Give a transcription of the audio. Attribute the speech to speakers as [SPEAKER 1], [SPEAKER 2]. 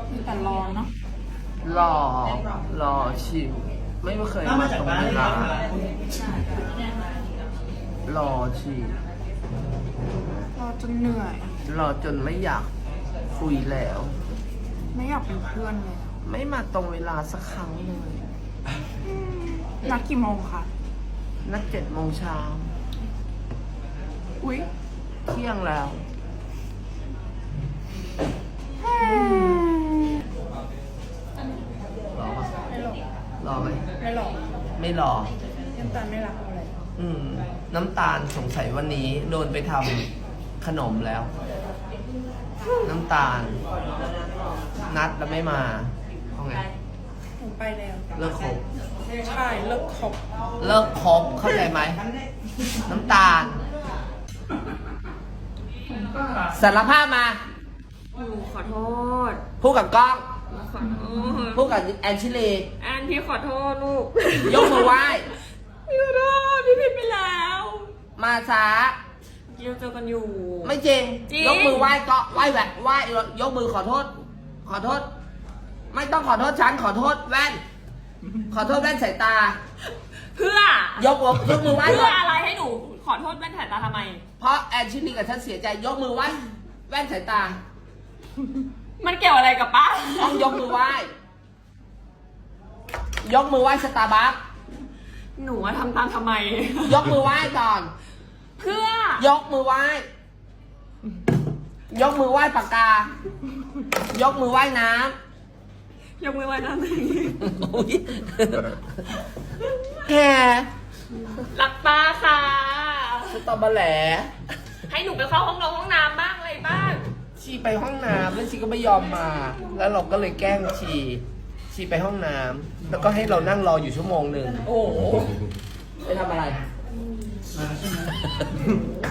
[SPEAKER 1] แต่รอเนาะ
[SPEAKER 2] รอชิวไม่เคย
[SPEAKER 3] ถ้ามาจากบ้าน
[SPEAKER 2] เว
[SPEAKER 3] เลย
[SPEAKER 2] ลา
[SPEAKER 3] ค่ะ
[SPEAKER 2] รอชิว
[SPEAKER 1] รอจนเหนื่อย
[SPEAKER 2] รอจนไม่อยากคุยแล้ว
[SPEAKER 1] ไม่อยากเป็นเพื่อนเลย
[SPEAKER 2] ไม่มาตรงเวลาสักครั้งเลย
[SPEAKER 1] นัดกี่โมงคะ
[SPEAKER 2] นัด7 โมงเช้า
[SPEAKER 1] อุ๊ย
[SPEAKER 2] เที่ยงแล้ว รอปะ
[SPEAKER 1] ไม่หรอก
[SPEAKER 2] รอไหม
[SPEAKER 1] ไม่หรอก
[SPEAKER 2] ไม่รอ
[SPEAKER 1] น้ำตาลไม่รักอะไร
[SPEAKER 2] น้ำตาลสงสัยวันนี้โดนไปทำขนมแล้ว น้ำตาล นัดแล้วไม่มาเอาไง
[SPEAKER 1] หนูไปแล้ว
[SPEAKER 2] เลิกคบ
[SPEAKER 1] ใช่เลิกคบ
[SPEAKER 2] เลิกคบเข้าใจไหม น้ำตาล สารภาพมา
[SPEAKER 4] หนูขอโทษ
[SPEAKER 2] พูดกับกล้อง
[SPEAKER 4] หนูขอโทษ
[SPEAKER 2] พูดกับแอนชิลี
[SPEAKER 4] แอนพี่ขอโทษลูก
[SPEAKER 2] ยกมือไหว้
[SPEAKER 4] พี่ขอโทษพี่ผิดไปแล้ว
[SPEAKER 2] มาช้า
[SPEAKER 4] เราเจอกันอยู่
[SPEAKER 2] ไม่จริง
[SPEAKER 4] จริง
[SPEAKER 2] ยกมือไหว้ก็ไหว้แหวะไหว้ยกมือขอโทษ ขอโทษ ไม่ต้องขอโทษฉันขอโทษแว่น ขอโทษแว่นสายตา
[SPEAKER 4] เพื่อย
[SPEAKER 2] กมือไหว้
[SPEAKER 4] เพื่
[SPEAKER 2] ก่
[SPEAKER 4] อ
[SPEAKER 2] อน
[SPEAKER 4] อะไรให้หนูขอโทษแว่นสายตาทำไม
[SPEAKER 2] เพราะแอนชิลีกับฉันเสียใจ ยกมือไหว้แว่นสายตา
[SPEAKER 4] มันเกี่ยวอะไรกับป้า
[SPEAKER 2] ต้องยกมือไหว้ ยกมือไหว้สตาร์บัค
[SPEAKER 4] หนูว่าทำตามทำไม
[SPEAKER 2] ยกมือไหว้ก่อน
[SPEAKER 4] เพื่อ
[SPEAKER 2] ยกมือไหว้ ยกมือไหว้ปากกา ยกมือไหว้น้
[SPEAKER 4] ยกมือไว้นะ
[SPEAKER 2] ำอุ๊ยแก
[SPEAKER 4] รักป้าค่ะ
[SPEAKER 2] สตอเบอร์แหล
[SPEAKER 4] ให้หนูไปเข้าห้องน้ำบ้างอะไรบ้าง
[SPEAKER 2] ชีไปห้องน้ำแล้วชีก็ไม่ยอมมา แล้วเราก็เลยแกล้งชีไปห้องน้ำแล้วก็ให้เรานั่งรออยู่ชั่วโมงหนึ่ง
[SPEAKER 4] โอ้โห
[SPEAKER 2] ไปทำอะไร
[SPEAKER 3] มาใช่ไหม